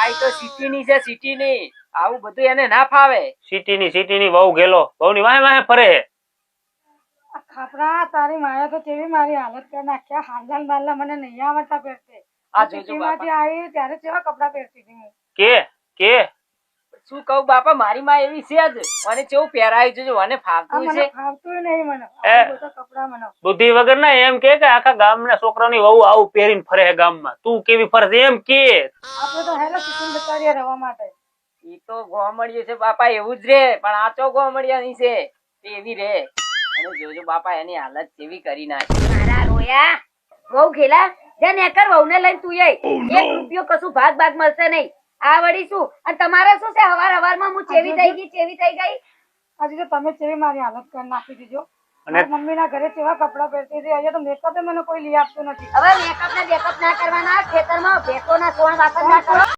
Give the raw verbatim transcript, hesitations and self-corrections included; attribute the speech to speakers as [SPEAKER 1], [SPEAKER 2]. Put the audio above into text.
[SPEAKER 1] બાઈ તો સિટી ની છે, સિટી ની. આવું બધું એને ના ફાવે.
[SPEAKER 2] સિટી ની સિટી ની વહુ ગેલો વહુ ની વાહે વાહે ફરે.
[SPEAKER 3] ખાપરા તારી માયા તો કેવી મારી હાલત કરી નાખ્યા. હાંડલ બાંડલા મને નહીં આવડતા પહેરતે.
[SPEAKER 1] આ જોજો
[SPEAKER 3] સિટીમાંથી
[SPEAKER 1] બાપા.
[SPEAKER 3] આવી ત્યારે કેવા કપડા પહેરતી હતી હું.
[SPEAKER 2] કે કે
[SPEAKER 1] શું કહું બાપા, મારી માં એવી છે જ. મને કેવું પહેરાયું છે, મને
[SPEAKER 3] આ
[SPEAKER 1] ફાવતું
[SPEAKER 3] મને
[SPEAKER 1] છે.
[SPEAKER 3] ફાવતું નહીં મને.
[SPEAKER 2] એ.
[SPEAKER 3] આ બધા કપડા મને.
[SPEAKER 2] બુદ્ધિ વગર ના એમ કે કે આખા ગામના છોકરાની વહુ આવું પહેરીને ફરે છે ગામમાં, તું કેવી ફરશે એમ કે.
[SPEAKER 3] આપણે તો હેલો સિટીમાં જતા રહ્યા રહેવા માટે.
[SPEAKER 1] ઈ તો ગોમડિયું છે બાપા, એવું જ રે. પણ આ તો ગોમડિયાની છે, તે એવી રે. અને જોજો બાપા એની હાલત કેવી કરી નાખી.
[SPEAKER 4] મારા રોયા વહુ ખેલા જા નેકર વહુને લઈને તું આય. એક રૂપિયો કશું ભાગ ભાગ મળશે નહીં. આ વળી શું અને તમારે શું છે? હવાર હવારમાં હું ચેવી થઈ ગઈ ચેવી થઈ ગઈ.
[SPEAKER 3] હજી તો તમે કેવી મારી હાલત કરી નાખી દીધો.
[SPEAKER 2] અને
[SPEAKER 3] મમ્મી ના ઘરે કેવા કપડા પહેરતી હતી. અહીંયા તો મેકઅપ મને કોઈ લઈ આપતું નથી.
[SPEAKER 4] હવે મેકઅપ ને બેકઅપ ના કરવાના. ખેતરમાં ભેંસોના સોણ વાસણ ના કરો.